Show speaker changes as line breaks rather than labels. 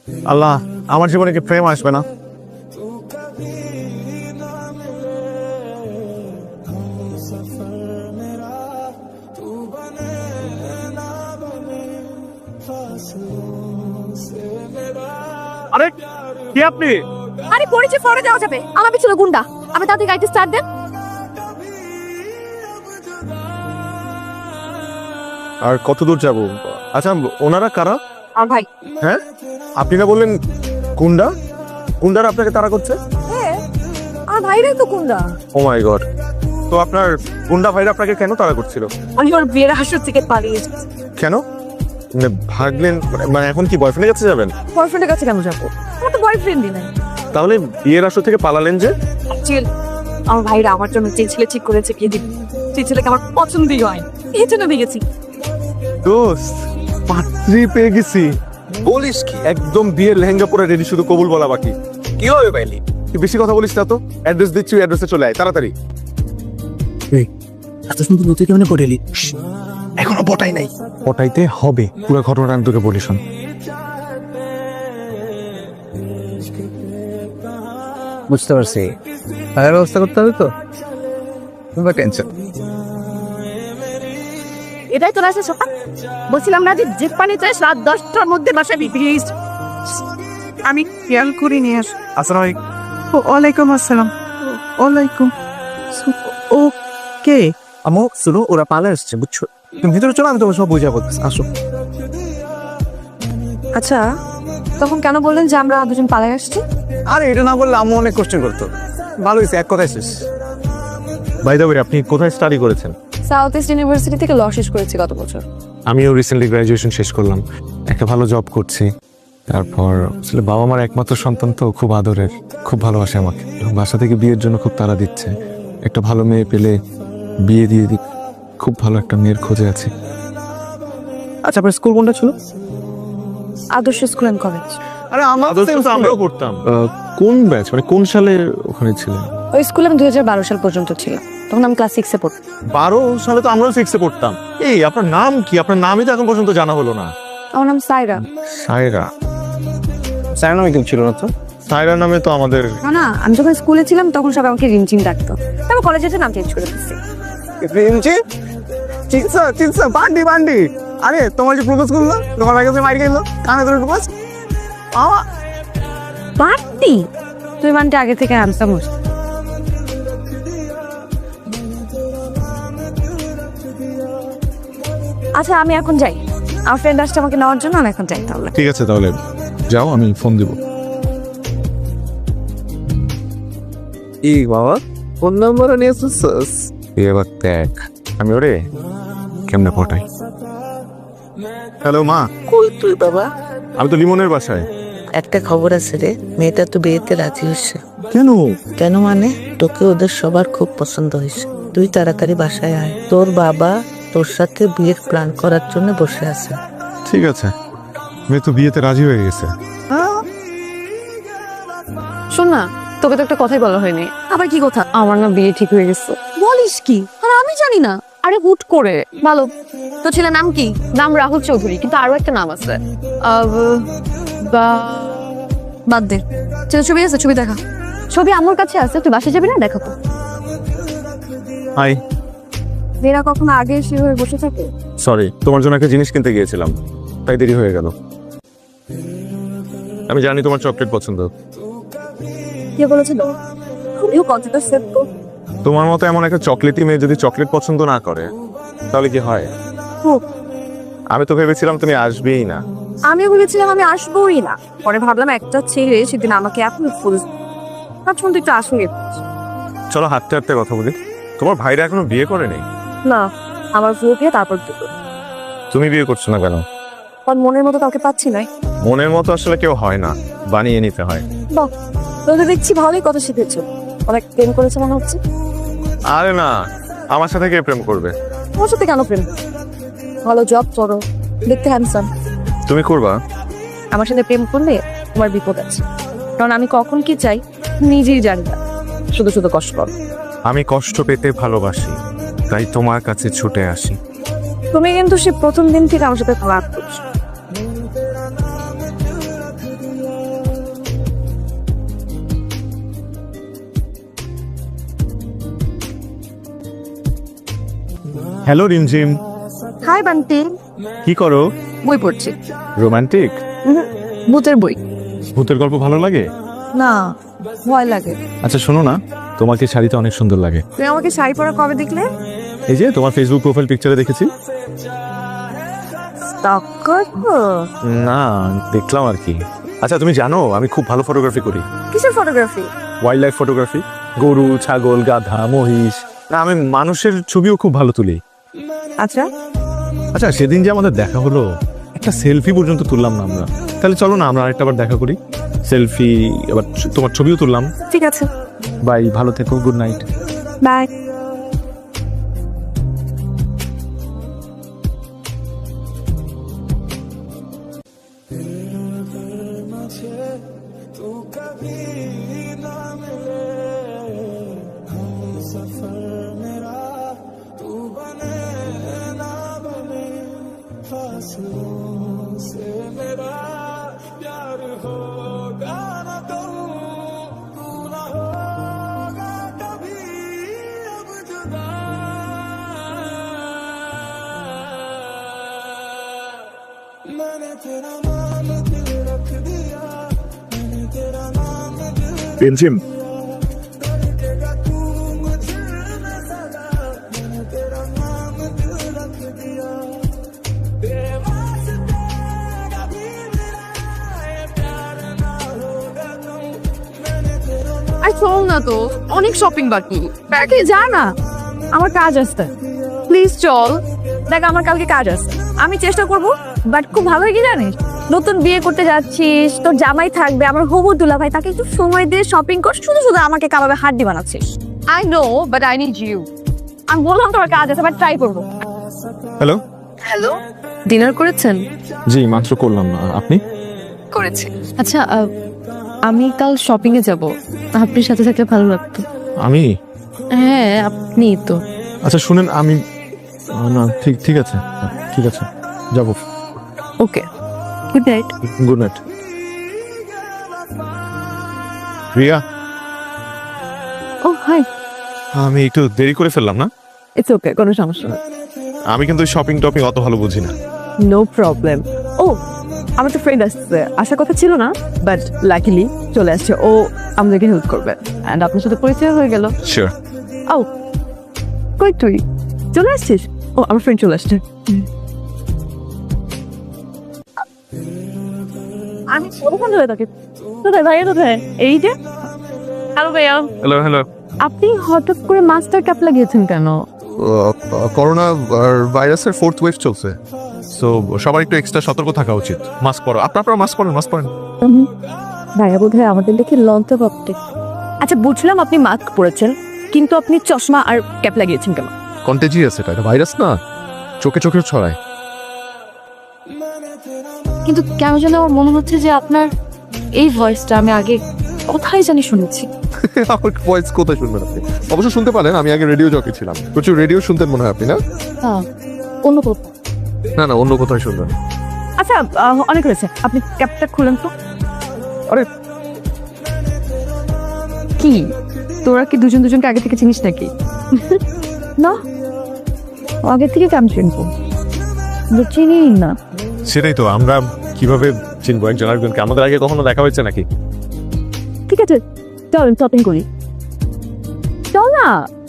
আল্লাহ, আমার জীবনে কি প্রেম আসবে না? আরে কি আপনি?
আরে পরিচয় পরে দেওয়া যাবে, আমার পিছনে গুন্ডা। আমি তাদের গাড়িতে স্টার্ট দেন।
আর কত দূর যাব? আচ্ছা, ওনারা কারা?
আর ভাই
হ্যাঁ, আপনি না বললেন গুন্ডা? গুন্ডারা আপনাকে তাড়া করছে?
হ্যাঁ, আর ভাইরাই তো গুন্ডা।
Oh my God! তো আপনার গুন্ডা ভাইরা আপনাকে কেন তাড়া করছিল?
আমি ওর বিয়ের হাসর থেকে পালিয়ে এসেছি।
কেন মানে ভাগলেন? মানে এখন কি বয়ফ্রেন্ডের কাছে যাবেন?
বয়ফ্রেন্ডের কাছে কেন যাবো? আমার তো বয়ফ্রেন্ডই নাই।
তাহলে বিয়ের আসর থেকে পালালেন যে?
চিল, আমার ভাইরা আমার জন্য যে ছেলে ঠিক করেছে বিয়ে দিবে, সেই ছেলেকে আমার পছন্দই হয়, এই জন্য বিয়ে গেছি।
দোস্ত, পাত্রী পেয়ে গেছি। বলিস কি? একদম বিয়ের লেহেঙ্গা পরে রেডি, শুধু কবুল বলা বাকি।
কি হবে পাইলি?
তুই বেশি কথা বলিস না তো। অ্যাড্রেস দিচ্ছি, অ্যাড্রেসে চলে আয় তাড়াতাড়ি।
এত সুন্দর নতুন কেমনে পড়েলি?
এখনো পটাই নাই। পটাইতে হবে। পুরো ঘটনাটা আমি তোকে বলি, শোন।
বুঝতে পারছি, টাকার ব্যবস্থা করতে হবে তো, টেনশন।
এটাই তো আছে সকাল বলছিলাম না যে যে পানি চাই রাত 10টার মধ্যে বাসায় প্লিজ।
আমি খেয়াল করে নিয়ে আস।
আসসালামু আলাইকুম।
ওয়ালাইকুম আসসালাম। ওয়ালাইকুম। ও কে?
আমো শুনো, ওরা পালে আসছে বুঝছো। তুমি ভিতরে চলো, আমি তোমার সব বুঝাবো। আসো।
আচ্ছা, তখন কেন বললেন যে আমরা দুজন পালিয়ে আসছি?
আরে এটা না বললে আম্মু অনেক কোশ্চেন করতো। ভালো হয়েছে, এক কথায় শেষ।
বাই দ্য ওয়ে, আপনি কোথায় স্টাডি করেছেন?
সাউথ ইস্ট ইউনিভার্সিটি থেকে ল শেষ করেছি গত বছর।
আমিও রিসেন্টলি গ্র্যাজুয়েশন শেষ করলাম, একটা ভালো জব করছি। তারপর আসলে বাবা মার একমাত্র সন্তান তো, খুব আদরের, খুব ভালোবাসে আমাকে, এবং বাসা থেকে বিয়ের জন্য খুব তাড়া দিচ্ছে। একটা ভালো মেয়ে পেলে বিয়ে দিয়ে দিই। খুব ভালো একটা মেয়ের খোঁজে আছি।
আচ্ছা, আপনার স্কুল কোনটা ছিল?
আদর্শ স্কুল অ্যান্ড কলেজ।
আরে আমার
আমরাও পড়তাম। কোন ব্যাচ, মানে কোন সালে ওখানে ছিলেন?
ওই স্কুলে আমি 2012 সাল পর্যন্ত ছিলাম, তখন আমি ক্লাস 6-এ পড়তাম।
12 সালে তো আমরাও 6-এ পড়তাম। এই আপনার নাম কি? আপনার নামই তো এখন পর্যন্ত জানা হলো না।
আমার নাম সাইরা।
সায়রা?
স্যার নামে কেউ ছিল না তো?
সায়রা নামে তো আমাদের।
না না, আমি যখন স্কুলে ছিলাম তখন সবাই আমাকে রিমচিম ডাকতো, তারপর কলেজে এসে নাম চেঞ্জ করে দিচ্ছি।
চিনসা বান্ডি বান্ডি। আরে তোমার যে প্রপোজ করলো, তোমার কাছে মাইর গেল, কানে ধরে প্রপোজ।
বাড়তি তুই মানতে আগে থেকে আনসার মুস। আচ্ছা, আমি এখন যাই, আমার ফ্রেন্ড আসছে আমাকে নেওয়ার জন্য। আমি এখন যাই তাহলে।
ঠিক আছে, তাহলে যাও, আমি ফোন দিব।
ই বাবা, ফোন নাম্বারও নিয়ে এসেছিস?
এবার দেখ আমি ওরে কেমনে পটাই। হ্যালো মা।
কই তুই বাবা?
আমি তো লিমনের বাসায়।
একটা খবর আছে রে, মেয়েটা তো বিয়েতে রাজি হয়েছে।
কেন?
কেন মানে, তোকে ওদের সবার খুব পছন্দ হয়েছে। তুই তাড়াতাড়ি বাসায় আয়, তোর বাবা তোর সাথে বিয়ের প্ল্যান করার জন্য বসে আছে।
ঠিক আছে, মেয়ে তো বিয়েতে রাজি হয়ে গেছে।
শোন না, তোকে তো একটা কথাই বলা হয়নি। আবার কি কথা? আমার না বিয়ে ঠিক হয়ে গেছে। বলিস কি? আর আমি জানি না। আরে হুট করে। ভালো, তো ছেলের নাম কি? নাম রাহুল চৌধুরী, কিন্তু আরো একটা নাম আছে। বাদ দে, ছেলে ছবি আছে, ছবি দেখা। ছবি আমার কাছে আছে, তুই বাসায় যাবি না? দেখাবো।
হাই।
মেয়েরা কখনো আগে এসে হয়ে বসে থাকে।
সরি, তোমার জন্য একটা জিনিস কিনতে গিয়েছিলাম, তাই দেরি হয়ে গেল। আমি জানি তোমার চকলেট পছন্দ।
কে বলেছিল? খুবই কতটা সেট তো।
তোমার মতো এমন একটা চকলেটি মেয়ে যদি চকলেট পছন্দ না করে তাহলে কি হয়? আমি তো ভেবেছিলাম তুমি আসবেই না।
আমিও ভেবেছিলাম আমি আসবোই না, পরে ভাবলাম একটা ছেলে সেদিন আমাকে এত ফুল ভাবছিলাম তুই একটু আসুন।
চলো হাঁটতে হাঁটতে কথা বলি। তোমার ভাইরা এখনো বিয়ে করেনি?
না, আমার ফুল দিয়ে তারপর দুটো।
তুমি বিয়ে করছো না কেন?
আমার মনের মতো কাউকে পাচ্ছি না।
মনের মতো আসলে কেউ হয় না, বানিয়ে নিতে হয়।
বাহ, তোদের দেখছি ভালোই কথা শিখেছো। অনেক প্রেম করেছে মনে হচ্ছে।
আরে না, আমার সাথে কে প্রেম করবে?
তোমার সাথে কেন প্রেম? ভালো জব করো, দেখতে হ্যান্ডসাম।
তুমি করবা?
আমার সাথে প্রেম করলে তোমার বিপদ আছে, কারণ আমি কখন কি চাই নিজেই জানি না, শুধু শুধু কষ্ট করো।
আমি কষ্ট পেতে ভালোবাসি, তাই তোমার কাছে ছুটে আসি।
তুমি কিন্তু সে প্রথম দিন থেকে আমার সাথে খারাপ করছো।
Hello Rimjhim,
hi Bunty.
কি করো?
বই পড়ছি।
রোমান্টিক?
ভূতের বই।
ভূতের গল্প ভালো লাগে?
না, ভয় লাগে।
আচ্ছা শোনো না, তোমাকে শাড়িতে অনেক সুন্দর লাগে।
তুমি আমাকে শাড়ি পরা কবে দেখলে?
এই যে তোমার ফেসবুক প্রোফাইল পিকচারে দেখেছি।
স্টক করবো?
না, দেখলাম আর কি। আচ্ছা তুমি জানো আমি খুব ভালো ফটোগ্রাফি করি।
কিসের ফটোগ্রাফি?
ওয়াইল্ড লাইফ ফটোগ্রাফি, গরু, ছাগল, গাধা, মহিষ। না, আমি মানুষের ছবিও খুব ভালো তুলি।
আচ্ছা,
আচ্ছা সেদিন যে আমাদের দেখা হলো, একটা সেলফি পর্যন্ত তুললাম না আমরা। তাহলে চলো না আমরা আরেকটা বার দেখা করি, সেলফি, আবার তোমার ছবিও তুললাম।
ঠিক আছে,
বাই, ভালো থেকো, গুড নাইট।
বাই।
রিমঝিম,
আর চল না তো, অনেক শপিং বাকি। ব্যাগে যা না, আমার কাজ আছে। প্লিজ চল। দেখ আমার কালকে কাজ আছে, আমি চেষ্টা করব। বাট খুব ভালো কি জানিস, নতুন বিয়ে করতে যাচ্ছিস, তোর জামাই থাকবে, আমার হবু দুলা ভাই, তাকে একটু সময় দিয়ে শপিং কর। শুধু শুধু আমাকে কাবাবে হাড্ডি বানাচ্ছিস। I know, but I need you. আমি বললাম তোমার কাজ আছে, বাট ট্রাই করবো।
হ্যালো।
হ্যালো, ডিনার করেছেন?
জি মাত্র করলাম। আপনি?
করেছি। আচ্ছা, আমি কাল শপিং এ যাব, আপনার সাথে থাকলে ভালো লাগতো।
আমি?
হ্যাঁ, আপনি তো।
আচ্ছা শুনেন, আমি না, ঠিক ঠিক আছে, ঠিক আছে, যাবো।
Okay, good night.
Good night. Riya,
oh hi.
আমি একটু দেরি করে ফেললাম না?
ইটস ওকে, কোনো সমস্যা নেই।
আমি কিন্তু শপিং টপিং অত ভালো বুঝি না।
No problem. ও, আমার তো ফ্রেন্ড আসছে, আসার কথা ছিল না, বাট লাকিলি চলে আসছে। ও আমাদেরকে হেল্প করবে, অ্যান্ড আপনার সাথে পরিচয় হয়ে গেল।
শিওর।
ও, কই তুই চলে আসছিস? ও, আমার ফ্রেন্ড চলে আসছে। আমি কতক্ষণ ধরে তাকে, কোথায় ভাইয়া, কোথায়? এই যে। হ্যালো ভাইয়া।
Hello hello.
আপনি হঠাৎ করে মাস্টার ক্যাপ লাগিয়েছেন কেন?
করোনা ভাইরাসের 4th ওয়েভ চলছে, সো সবার একটু এক্সট্রা সতর্ক থাকা উচিত। মাস্ক পরো, আপনারা মাস্ক পরেন, মাস্ক পরেন।
ভাইয়া বোধ হয় আমাদের দেখে লঞ্চে ভাবতে। আচ্ছা বুঝলাম আপনি মাস্ক পরেছেন, কিন্তু আপনি চশমা আর ক্যাপ লাগিয়েছেন কেন?
কন্টেজিয়াস, এটা ভাইরাস না, চোখে চোখে ছড়ায়।
কিন্তু কেন যেন আমার মনে হচ্ছে যে আপনার এই ভয়েসটা আমি আগে কোথায় জানি শুনেছি।
আমার ভয়েস কোথায় শুনবেন আপনি? অবশ্য শুনতে পারেন, আমি আগে রেডিও জকি ছিলাম, প্রচুর রেডিও শুনতেন মনে হয় আপনি, না?
হ্যাঁ, অন্য কোথাও।
না না, অন্য কোথায় শুনবেন।
আচ্ছা, অনেক হয়েছে, আপনি ক্যাপটা খুলেন তো।
আরে
কি তোরা কি দুজন দুজনকে আগে থেকে চিনিস নাকি? না, আগে থেকে কেমন চিনবো? চিনি না।
সেটাই তো, আমরা কিভাবে চিনবো একজন আরেকজনকে? আমাদের আগে কখনো দেখা হয়েছে নাকি?
ঠিক আছে, চল শপিং করি। চল না।